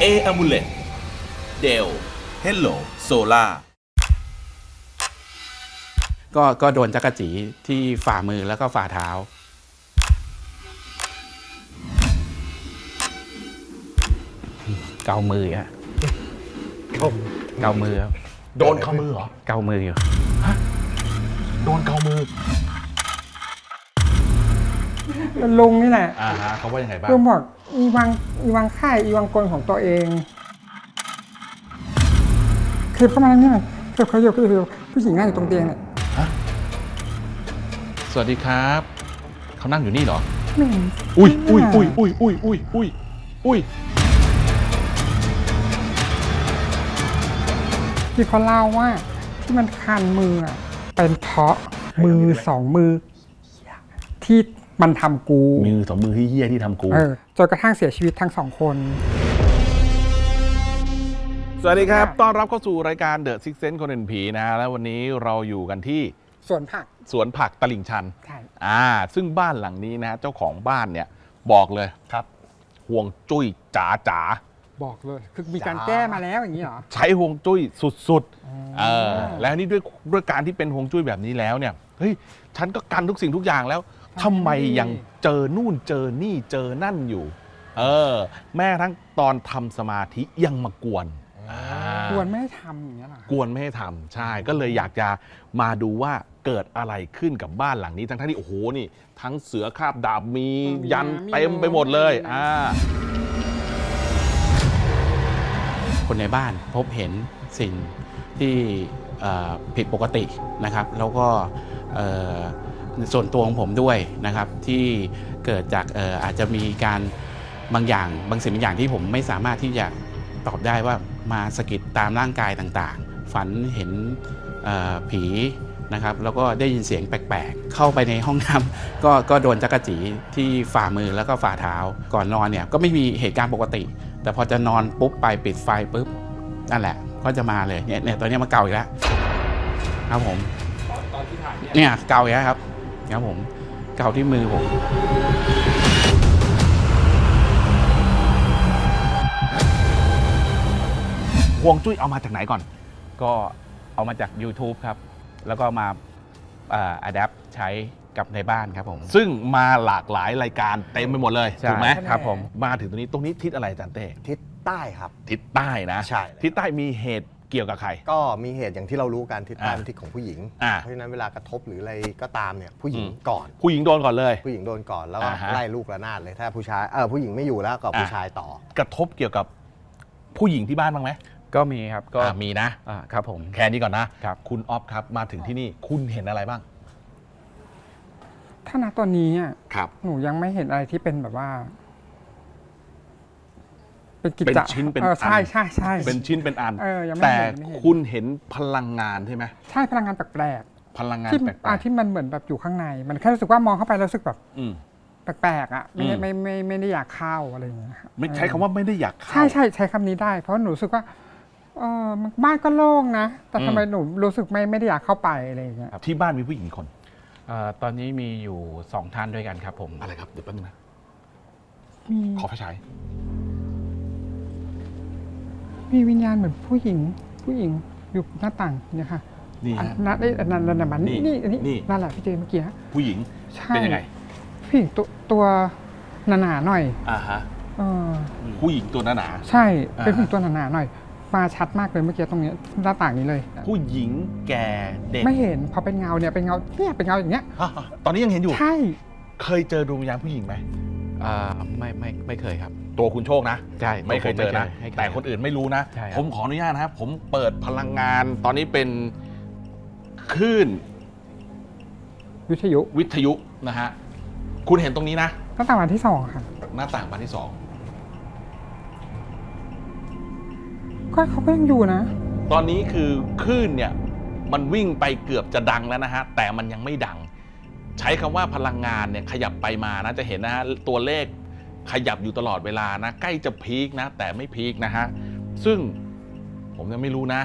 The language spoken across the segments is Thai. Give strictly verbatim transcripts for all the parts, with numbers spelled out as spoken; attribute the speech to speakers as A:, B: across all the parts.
A: Amulet Dell Hello Solar
B: ก็ก็โดนจักรจีที่ฝ่ามือแล้วก็ฝ่าเท้าเกามืออะเกาเกามือครับ
C: โดนเกามือเหรอ
B: เกามืออยู่
C: โดนเกามือ
D: ลุงนี่แหละ
C: อ่าฮะเขาว่ายังไงบ้าง
D: ลุงบอกอีวังอีวังค่ายอีวังกลของตัวเองคือเข้ามาแล้วเนี่ยคือเขาอยู่คือผู้หญิงนั่งอยู่ตรงเตียงเนี่ย
C: สวัสดีครับเขานั่งอยู่นี่เหรอ
D: ไม่เห็น
C: อุ้ยอุ้ยอุ้ยอุ้ยอุ้ยอุ้ยอุ้ยอุ้ย
D: ที่เขาเล่าว่าที่มันคันมืออะเป็นเพราะมือสองมือ ที่มันทำกู
C: มือสองมือที่เหี้ยที่ทำกู
D: เออจนกระทั่งเสียชีวิตทั้งสองคน
C: สวัสดีครับต้อนรับเข้าสู่รายการ The Six Sense คนเห็นผีนะฮะแล้ววันนี้เราอยู่กันที่
D: สวนผัก
C: สวนผักตลิ่งชัน
D: ใช่
C: อ่าซึ่งบ้านหลังนี้นะเจ้าของบ้านเนี่ยบอกเลยครับห่วงจุ้ยจ๋าจ๋า
D: บอกเลยคือมีการแก้มาแล้วอย่างนี้เหรอ
C: ใช้ห่วงจุ้ยสุด
D: อ๋อ
C: ๆเออแล้วนี่ด้วยด้วยการที่เป็นห่วงจุ้ยแบบนี้แล้วเนี่ยเฮ้ยฉันก็กันทุกสิ่งทุกอย่างแล้วทำไมยังเจอนู่นเจอนี่เจอนั่นอยู่ เออ แม่ทั้งตอนทำสมาธิยังมากวนอ่า
D: ควรไม่ให้ทำอย่างนี้ยเหรอก
C: วนไม่ให้ทำใช่ก็เลยอยากจะมาดูว่าเกิดอะไรขึ้นกับบ้านหลังนี้ ทั้งๆที่โอ้โหนี่ ทั้งเสือคาบดาบมียันเต็มไปหมดเลยอ่า
B: คนในบ้านพบเห็นสิ่งที่เอ่อผิดปกตินะครับ แล้วก็เอ่อส่วนตัวของผมด้วยนะครับ ที่เกิดจากเอ่ออาจจะมีการบางอย่างบางสิ่งบางอย่างที่ผมไม่สามารถที่จะตอบได้ว่ามาสะกิดตามร่างกายต่างๆ ฝันเห็นเอ่อผีนะครับ แล้วก็ได้ยินเสียงแปลกๆ เข้าไปในห้องน้ำ ก็ก็โดนจักรจีที่ฝ่ามือแล้วก็ฝ่าเท้าก่อนนอนเนี่ยก็ไม่มีเหตุการณ์ปกติ แต่พอจะนอนปุ๊บไปปิดไฟปุ๊บนั่นแหละก็จะมาเลยเนี่ยเนี่ยตัวเนี้ยมาเกาอีกแล้วครับผมตอนที่ถ่ายเนี่ยเกาอีกแล้วครับครับผมเกาที่มือผม
C: ห่วงจุ้ยเอามาจากไหนก่อน
B: ก็เอามาจาก YouTube ครับแล้วก็มาอัดแอปใช้กับในบ้านครับผม
C: ซึ่งมาหลากหลายรายการเต็มไปหมดเลย
B: ใช่
C: ถูกไหม
B: ครับผม
C: มาถึงตรงนี้ตรงนี้ทิศอะไรอาจารย์เต้
E: ทิศใต้ครับ
C: ทิศใต้นะ
E: ใช่
C: ทิศใต้มีเหตุเกี่ยวกับใคร
E: ก็มีเหตุอย่างที่เรารู้กันทิศใต้
C: อ่า
E: เป็นทิศของผู้หญิง
C: อ่า
E: เพราะฉะนั้นเวลากระทบหรืออะไรก็ตามเนี่ยผู้หญิง
C: อืม
E: ก่อน
C: ผู้หญิงโดนก่อนเลย
E: ผู้หญิงโดนก่อนแล้วก็
C: อ่าฮะ
E: ไล่ลูกระนาดเลยถ้าผู้ชายเออผู้หญิงไม่อยู่แล้วก็ผู้ชายต่อ
C: กระทบเกี่ยวกับผู้หญิงที่บ้านบ้างไหม
B: ก็มีครับก็
C: อ่ามีนะ
B: อ่าครับผม
C: แค่นี้ก่อนนะครับ คุณออฟครับมาถึงที่นี่คุณเห็นอะไรบ้าง
D: ถ้าณตอนนี้อะ
C: ครับ
D: หนูยังไม่เห็นอะไรที่เป็นแบบว่า เป็นกิจ
C: เป็น
D: จะ
C: ชิ้นเป็น
D: ออใช่
C: อัน
D: ใช่ใช่
C: เป็นชิ้นเป็นอัน
D: เออยังไม่
C: แต่
D: เห็นยังไม่เห็น
C: คุณเห็นพลังงานใช่ไหม
D: ใช่พลังงานแปลก
C: พลังงา
D: ๆ
C: น
D: ที่
C: แปล
D: อ่าก ที่มันเหมือนแบบอยู่ข้างใน มันแค่รู้สึกว่ามองเข้าไปแล้วรู้สึกแบบ
C: ๆอืม
D: แปลกๆอ่ะไม่ได้
C: อืม
D: ไม่ไม่ไม่ได้อยากเข้าอะไรอย่างเงี้ยครับ
C: ไม่ใช้คำว่าไม่ได้อยากเข้า
D: ใช่ใช่ใช้คำนี้ได้ เพราะหนูรู้สึกว่าเออบ้านก็โล่งนะ แต่
C: อืม
D: ทำไมหนูรู้สึกไม่ไม่ได้อยากเข้าไปอะไรอย่างเงี้ย
C: ที่บ้านมีผู้หญิงกี่คน
B: เอ่อตอนนี้มีอยู่สองท่านด้วยกันครับผม
C: อะไรครับเดี๋ยวแป๊บนึงนะ
D: มี
C: ขอไฟฉาย
D: มีวิญญาณเหมือนผู้หญิง ผู้หญิงอยู่หน้าต่างเนี่ยค่ะ
C: นี่
D: อัน
C: ฮะ
D: นั้นไอ้อันนั้นนั่นน่ะมัน
C: นี่
D: นี่อัน
C: นี่
D: นี่นั่นแหละพี่เจเมื่อกี้
C: ผู้หญิง
D: ใช่
C: เป็นยังไง
D: ผู้หญิงตัวตัวหนาๆหน่อย
C: อ่าฮะ
D: เออ
C: ผู้หญิงตัวหนา
D: ใช่
C: อ่า
D: เป็นผู้หญิงตัวหนาๆหน่อย มาชัดมากเลยเมื่อกี้ตรงเนี้ยหน้าต่างนี้เลย
C: ๆผู้หญิงแก่เด็ก
D: ไม่เห็นพอเป็นเงาเนี่ยเป็นเงาเนี่ยเป็นเงาอย่างเงี้ย
C: ฮะตอนนี้ยังเห็นอยู่
D: ใช่
C: เคยเจอดวงวิญญาณผู้หญิงไหม
B: อ่าไม่ไม่ไม่เคยครับ
C: ตัวคุณโชคนะ
B: ใช่
C: ไม่เคยเจอนะ
B: ไม่เคย
C: แต่คนอื่นไม่รู้นะ
B: ใช่ครับ
C: ผมขออนุญาตนะครับ ผมเปิดพลังงาน ตอนนี้เป็นคลื่น
D: วิทยุ
C: วิทยุนะฮะ คุณเห็นตรงนี้นะ
D: หน้าต่างบานที่สองค่ะ
C: หน้าต่างบานที่สอง
D: ก็เขาก็ยังอยู่นะ
C: ตอนนี้คือคลื่นเนี่ยมันวิ่งไปเกือบจะดังแล้วนะฮะ แต่มันยังไม่ดัง ใช้คำว่าพลังงานเนี่ยขยับไปมานะจะเห็นนะฮะตัวเลขขยับอยู่ตลอดเวลานะใกล้จะพีคนะ แต่ไม่พีคนะฮะซึ่งผมยังไม่รู้นะ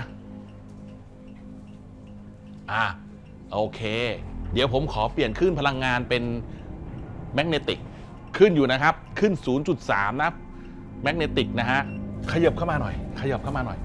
C: อ่ะโอเค เดี๋ยวผมขอเปลี่ยนคลื่นพลังงานเป็นแมกเนติกขึ้นอยู่นะครับขึ้น ศูนย์จุดสาม นะแมกเนติกนะฮะขยับเข้ามาหน่อย ขยับเข้ามาหน่อย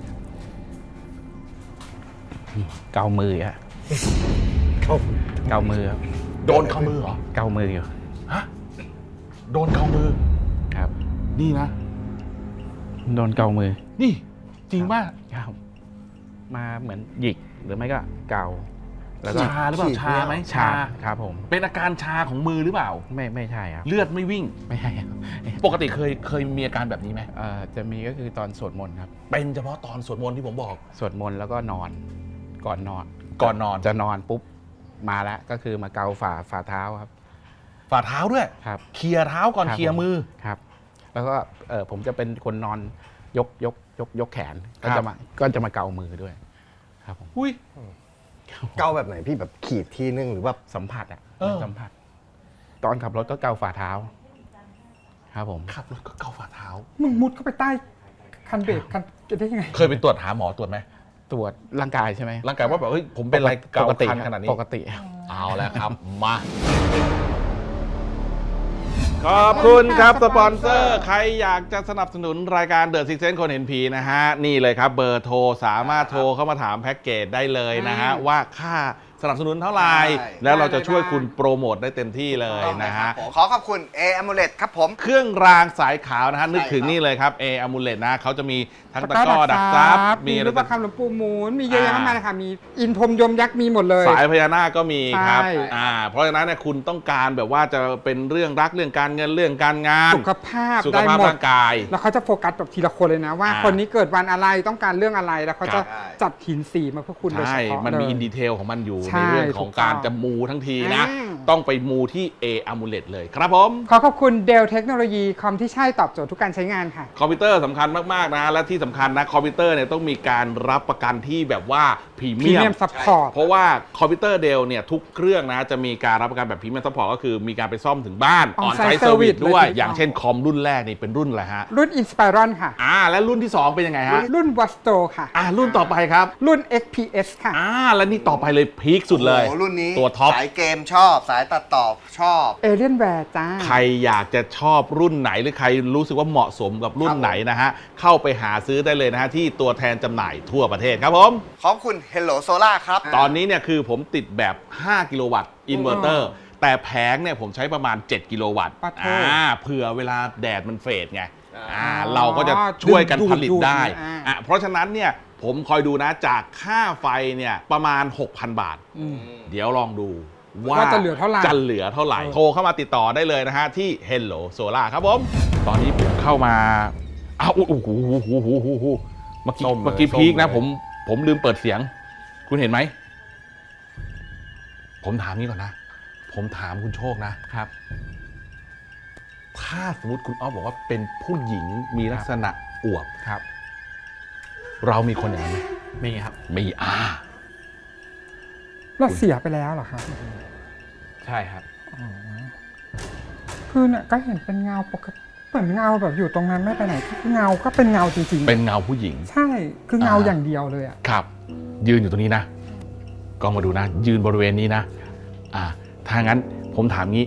B: เกามือฮะเกามือครับ
C: โดนเข้ามือเหรอ
B: เกามืออยู่
C: ฮะโดนเข้ามือ
B: ครับ
C: นี่นะ
B: โดนเกามือ
C: นี่จริงป่ะ
B: ครับมาเหมือนหยิกหรือไม่ก็เกาแล้วก็
C: ชาหรือเปล่าชาไหม
B: ชาครับผม
C: เป็นอาการชาของมือหรือเปล่า
B: ไม่ไม่ใช่ครับ
C: เลือดไม่วิ่ง
B: ไม่ใช่ครับ
C: ปกติเคยเคยมีอาการแบบนี้ไหม
B: เอ่อจะมีก็คือตอนสวดมนต์ครับ
C: เป็นเฉพาะตอนสวดมนต์ที่ผมบอก
B: สวดมนต์แล้วก็นอนก่อนนอน
C: ก่อนนอน
B: จะนอนปุ๊บมาแล้วก็คือมาเกาฝ่าฝ่าเท้าครับ
C: ฝ่าเท้าด้วย
B: ครับ
C: เคลียร์เท้าก่อน
B: ครับ
C: เคลียร์มือ
B: ครับ แล้วก็เออผมจะเป็นคนนอนยกยกยกยกแขนก็
C: ครับ
B: จะมาก็จะมาเกามือด้วย ครับผม
C: อุ้ย
E: เกาแบบไหนพี่แบบขีดทีนึงหรือว่า
B: สัมผัสอ่ะ
C: เออ
B: สัมผัส ตอนขับรถก็เกาฝ่าเท้า ครับผม
C: ขับรถก็เกาฝ่าเท้า
D: มึงมุดเข้าไปใต้คันเบรกคันจะได้ยังไง
C: เคยไปตรวจหาหมอตรวจไหม
B: ตรวจร่างกายใช่ไหม
C: ร่างกายว่าแบบเฮ้ยผมเป็นอะไรเกา
B: ปกติ
C: คัน
B: ครับ
C: ขนาดนี้
B: ปกติ
C: เอาแล้วครับ มา ขอบคุณครับสปอนเซอร์ ใครอยากจะสนับสนุนรายการ The Six Sense คนเห็นผีนะฮะ นี่เลยครับเบอร์โทรสามารถโทรเข้ามาถามแพ็กเกจได้เลยนะฮะ ว่าค่าสนับสนุนเท่าไหร่
E: ใช่
C: แล้วเราจะช่วยคุณโปรโมทได้เต็มที่เลยนะฮะ
E: ขอขอบคุณ A Amulet ครับผม
C: เครื่องรางสายขาวนะฮะ นึกถึงนี่เลยครับ A Amulet นะเขาจะมีทั้งตะกร้อดักซับ
D: มี
C: มี
D: รูปประคำหลวงปู่หมุนมีเยอะแยะมากมายเลยค่ะ มีอินพรมยมยักษ์มีหมดเลย
C: สายพญานาคก็มีครับ
D: ใช่
C: อ่าเพราะฉะนั้นเนี่ยคุณต้องการแบบว่าจะเป็นเรื่องรักเรื่องการเงินเรื่องการงาน
D: สุขภาพ
C: สุข
D: ได้
C: ภาพ
D: หมด
C: ร่างกาย
D: แล้วเขาจะโฟกัสแบบทีละคนเลยนะว่า
C: อ่า
D: คนนี้เกิดวันอะไรต้องการเรื่องอะไรแล้วเขาจะ
E: ใช่
D: จัดหินสีมาเพื่อคุณโดยเฉ
C: ใช่
D: พาะ
C: มันมี
D: เลย
C: อินดีเทลของมันอยู่
D: ใช่
C: ในเรื่องของการ
D: ถูกต้อง
C: จะมูทั้งทีนะ
D: อืม
C: ต้องไปมูที่ A Amulet เลยครับผม
D: ขอขอบคุณเดลเทคโนโลยีคอมที่ใช่ตอบโจทย์ทุกการใช้งานค่ะ
C: คอมพิวเตอร์สำคัญมาก ๆ นะ และที่สำคัญนะ คอมพิวเตอร์เนี่ยต้องมีการรับประกันที่แบบว่าพรี
D: พรี
C: เมีย
D: เมีย
C: ม
D: มซัพพอร์ต
C: เพราะว่าคอมพิวเตอร์เดลเนี่ยทุกเครื่องนะจะมีการรับประกันแบบพรีเมียมซัพพอร์ตก็คือมีการไปซ่อมถึงบ้านออนไซ
D: On-site
C: ต์เซอร์วิส
D: service
C: ด้วย
D: เลย
C: อย่างเช่นคอมรุ่นแรกนี่เป็นรุ่นอะไรฮะ
D: รุ่น Inspiron ค่ะ
C: อ่าและรุ่นที่สองเป็นยังไงฮะ
D: รุ่น w a s t o ค่ะ
C: อ่ารุ่นต่อไปครับ
D: รุ่น เอ็กซ์ พี เอส ค่ะ
C: อ่าและนี่ต่อไปเลยพีคสุดเลย
E: โอ้โหรุ่นนี้
C: ตัวท็อป
E: สายเกมชอบ สายตัดต่อชอบ
D: เอเลียนแวร์จ้า
C: ใครอยากจะชอบรุ่นไหนหรือใครรู้สึกว่าเหมาะสมกับรุ่นไหนนะฮะ เข้าไปหาซื้อได้เลยนะฮะ ที่ตัวแทนจำหน่ายทั่วประเทศครับผม
E: ขอบคุณ Hello Solar ครับ
C: ตอนนี้เนี่ยคือผมติดแบบ ห้า กิโลวัตต์อินเวอร์เตอร์ แต่แผงเนี่ยผมใช้ประมาณ เจ็ด กิโลวัตต์
D: ปะโถ
C: อ่าเผื่อเวลาแดดมันเฟดไง
E: อ่า
C: อ่าเราก็จะช่วยกันผลิตได้
D: ดูดๆอ่า
C: อ่ะเพราะฉะนั้นเนี่ยผมคอยดูนะจากค่าไฟเนี่ยประมาณ หกพัน บาท
D: อืม
C: เดี๋ยวลองดูว่า
D: ว่าจะเหลือเท่าไหร่
C: จะเหลือเท่าไหร่
D: เออ
C: โทรเข้ามาติดต่อได้เลยนะฮะ ที่ Hello Solar ครับผม ตอนนี้ผมเข้ามาอ้าวโอ้โหโอ้โหโอ้โหโอ้โหเมื่อกี้
E: ส้มเลย
C: เมื่อกี้
E: ส้ม
C: พีคนะ
E: เลย
C: ผมผมลืมเปิดเสียง คุณเห็นไหม ผมถามนี้ก่อนนะ ผมถามคุณโชคนะ
B: ครับ
C: ถ้าสมมติคุณอ้อฟบอกว่าเป็นผู้หญิงมีลักษณะอวบ
B: ครับ
C: เรามีคนอย่างนั้นไหม
B: มีครับ
C: มีอ่า
D: เราเสียไปแล้วเหรอคะ
B: ใช่ครับ
D: คือเนี่ยก็เห็นเป็นเงาปกติเหมือนเงาแบบอยู่ตรงนั้นไม่ไปไหนคือเงาก็เป็นเงาจริงๆ
C: เป็นเงาผู้หญิง
D: ใช่คือเงา
C: อ่า
D: อย่างเดียวเลยอ่ะ
C: ครับ ยืนอยู่ตรงนี้นะกล้องมาดูนะ ยืนบริเวณนี้นะ อ่า ถ้างั้นผมถามงี้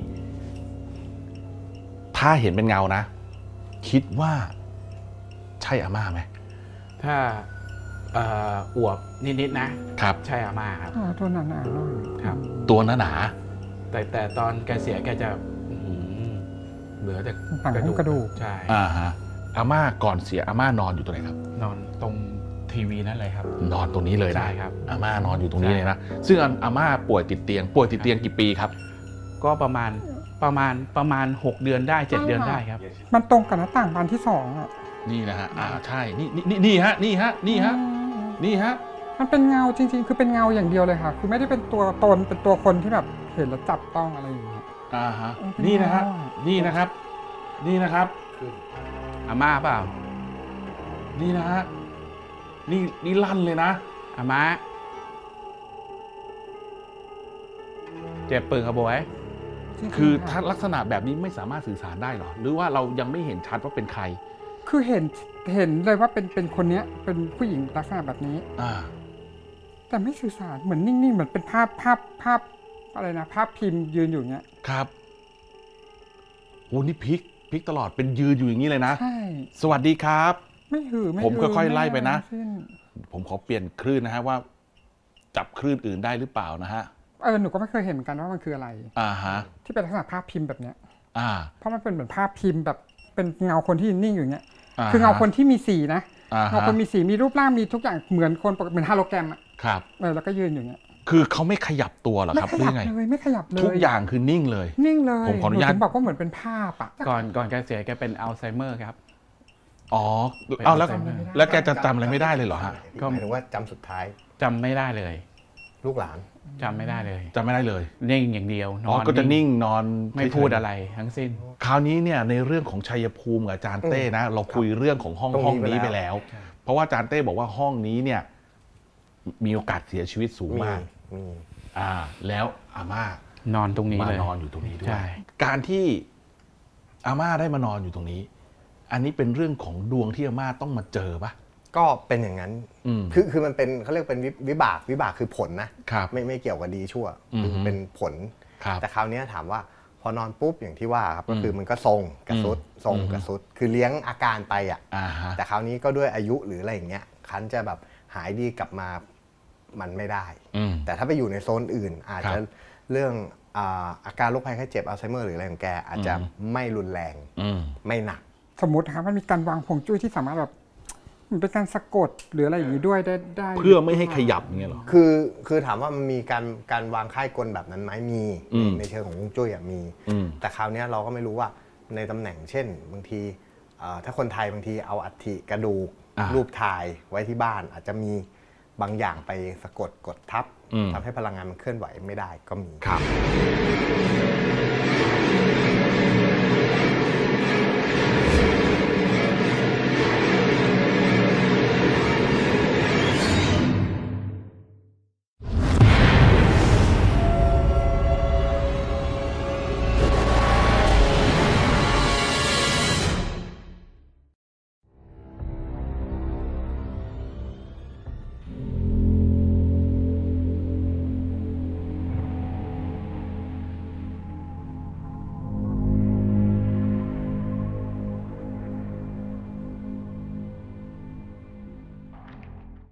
C: ถ้าเห็นเป็นเงานะ คิดว่าใช่อาม่าไหม
B: ถ้าเอ่ออวบนิดๆนะครับ ใช่อาม่าครับ
D: อ๋อตัวหนาๆหน่อย
B: ครับ
C: ตัวหนาหนา
B: แต่แต่ตอนแกเสียแกจะอื้อหือเหลือแต่
D: หนังหุ้มกระดูก
B: ใช่
C: ๆอ่าฮะอาม่าก่อนเสียอาม่านอนอยู่ตรงไหนครับ
B: นอนตรงทีวีนั่นเลยครับ
C: นอนตรงนี้เลยนะ
B: ใช่ครับ
C: อาม่านอนอยู่ตรงนี้
B: ใช่
C: เลยนะ ซึ่งอาม่าป่วยติดเตียง ป่วยติดเตียงกี่ปีครับ
B: ก็ประมาณประมาณประมาณหกเดือนได้เจ็ดเดือนได้ครับ
D: มันตรงกับหน้าต่างบานที่สองอ่ะ
C: นี่นะฮะ อ่า ใช่ นี่นี่นี่นี่ฮะ นี่ฮะ นี่ฮะ นี่ฮะ
D: มันเป็นเงาจริงๆ คือเป็นเงาอย่างเดียวเลยค่ะ คือไม่ได้เป็นตัวตนเป็นตัวคนที่แบบเห็นแล้วจับต้องอะไรอย่างเงี้ย
C: อ่าฮะ
D: เออเป็น
C: นี่นะฮะ
D: เงาอะ
C: นี่นะครับ นี่นะครับ
B: อาม่าเปล่า
C: นี่นะฮะ นี่นี่ลั่นเลยนะ
B: อาม่าเจ็บปืนขบวย
D: จริงๆ
C: คือ
D: ค่ะ
C: ถ้าลักษณะแบบนี้ไม่สามารถสื่อสารได้เหรอ หรือว่าเรายังไม่เห็นชัดว่าเป็นใคร
D: คือเห็นเห็นเลยว่าเป็นเป็นคนเนี้ยเป็นผู้หญิงลักษณะแบบนี้
C: อ่า
D: แต่ไม่สื่อสารเหมือนนิ่งๆ เหมือนเป็นภาพภาพภาพอะไรนะ ภาพพิมพ์ยืนอยู่เงี้ย
C: ครับโอ้นี่พลิกพลิกตลอดเป็นยืนอยู่อย่างนี้เลยนะ
D: ใช่
C: สวัสดีครับ
D: ไม่หือไม่
C: ผมค่อยๆไล่ไปนะ
D: ม่สิ้น
C: ผมขอเปลี่ยนคลื่นนะฮะว่า จับคลื่นอื่นได้หรือเปล่านะฮะ
D: เออหนูก็ไม่เคยเห็นเหมือนกันว่ามันคืออะไร
C: อ่าฮะ
D: ที่เป็นลักษณะภาพพิมพ์แบบเนี้ย
C: อ่า
D: เพราะมันเป็นเหมือนภาพพิมพ์แบบเป็นเงาคนที่นิ่งอยู่เนี้ย
C: า
D: คือเงาคนที่มีสีนะ
C: อ่า
D: เงา
C: ฮะ
D: คนมีสีมีรูปร่างมีทุกอย่างเหมือนคนปกติเหมือนฮาโลแกรมอะ
C: ครับ
D: เออแล้วก็ยืนอยู่เนี้ย
C: คือเขาไม่ขยับตัวเหรอ
D: ไม่
C: ครับ
D: ข
C: หรื
D: ยั
C: อบ ไง
D: เลยไม่ขยับเลย
C: ทุกอย่างคือนิ่งเลย
D: นิ่งเลย
C: ผมขออนุญาต
D: หถึงบอกว่าเหมือนเป็นภาพอะ
B: ก่อนก่อนแกเสียแกเป็นอัลไซเมอร์ครับ
C: อ๋อเอาแล้ว
B: จำอะไรไม่ได้
C: แล้วแกจะจำอะไรไม่ได้เลยเหรอฮะ
B: ก็
E: หมายถึงว่าจำสุดท้าย
B: จำไม่ได้เลย
E: ลูกหลาน
B: จำไม่ได้เลย
C: จำไม่ได้เลย
B: นิ่งอย่างเดียว น
C: อ๋อ
B: อน
C: ก็จะนิ่งนอน
B: ไม่
C: เฉยๆ
B: พูดอะไรทั้งสิ้น
C: คราวนี้เนี่ยในเรื่องของชัยภูมิกับอาจารย์เต้นะ เราคุยเรื่องของห้อง
E: ตรงนี้
C: ห้องนี้
E: ไป
C: ไป
E: แล้
C: แล้ว ว เพราะว่าอาจารย์เต้บอกว่าห้องนี้เนี่ย มีโอกาสเสียชีวิตสูง
E: มี
C: มาก
E: มี
C: อ่า แล้วอาม่าน
B: อนตรงนี้
C: มา
B: เลย
C: นอนอยู่ตรงนี้ด้วย
B: ใช่
C: การที่อาม่าได้มานอนอยู่ตรงนี้ อันนี้เป็นเรื่องของดวงที่อาม่าต้องมาเจอปะ
E: ก็เป็นอย่างนั้น
C: อืม
E: คือคือมันเป็นเขาเรียกเป็นวิวิบากวิบากคือผลนะครับ ไม่ไม่เกี่ยวกับดีชั่ว
C: อืม
E: คือเป็นผล
C: ครับ
E: แต่คราวนี้ถามว่าพอนอนปุ๊บอย่างที่ว่าครับก็คืออ
C: ม
E: มันก็ทรงกระสุดทรง
C: อืม
E: กระสุดคือเลี้ยงอาการไปอ่ะ
C: อ่าฮะ
E: แต่คราวนี้ก็ด้วยอายุหรืออะไรอย่างเงี้ยคันจะแบบหายดีกลับมามันไม่ได้
C: อืม
E: แต่ถ้าไปอยู่ในโซนอื่น อาจ
C: ครั
E: จะ
C: บ
E: เรื่องอ่าอาการโรคภัยไข้เจ็บอัลไซเมอร์หรืออะไรของแกอาจจะ
C: อืม
E: ไม่รุนแรง
C: อืม
E: ไม่หนัก
D: สมมตินะครับมันมีการวางผงจุ้ยที่สามารถแบบมันเป็นการสะกดหรืออะไรอย่างนี้ด้วยได้ได้
C: เพื่อไม่ให้ขยับอย่างเงี้ยเหรอ
E: คือคือถามว่ามันมีการการวางค่ายกลแบบนั้นไหมมี
C: อืม
E: ในเชิงของฮวงจุ้ยอะมี
C: อืม
E: แต่คราวเนี้ยเราก็ไม่รู้ว่าในตำแหน่งเช่น บางทีเอ่อถ้าคนไทยบางทีเอาอัฐิกระดูก
C: อ่า
E: รูปถ่ายไว้ที่บ้าน อาจจะมีบางอย่างไปสะกดกดทับ
C: อืม
E: ทำให้พลังงานมันเคลื่อนไหวไม่ได้ก็มี
C: ครับ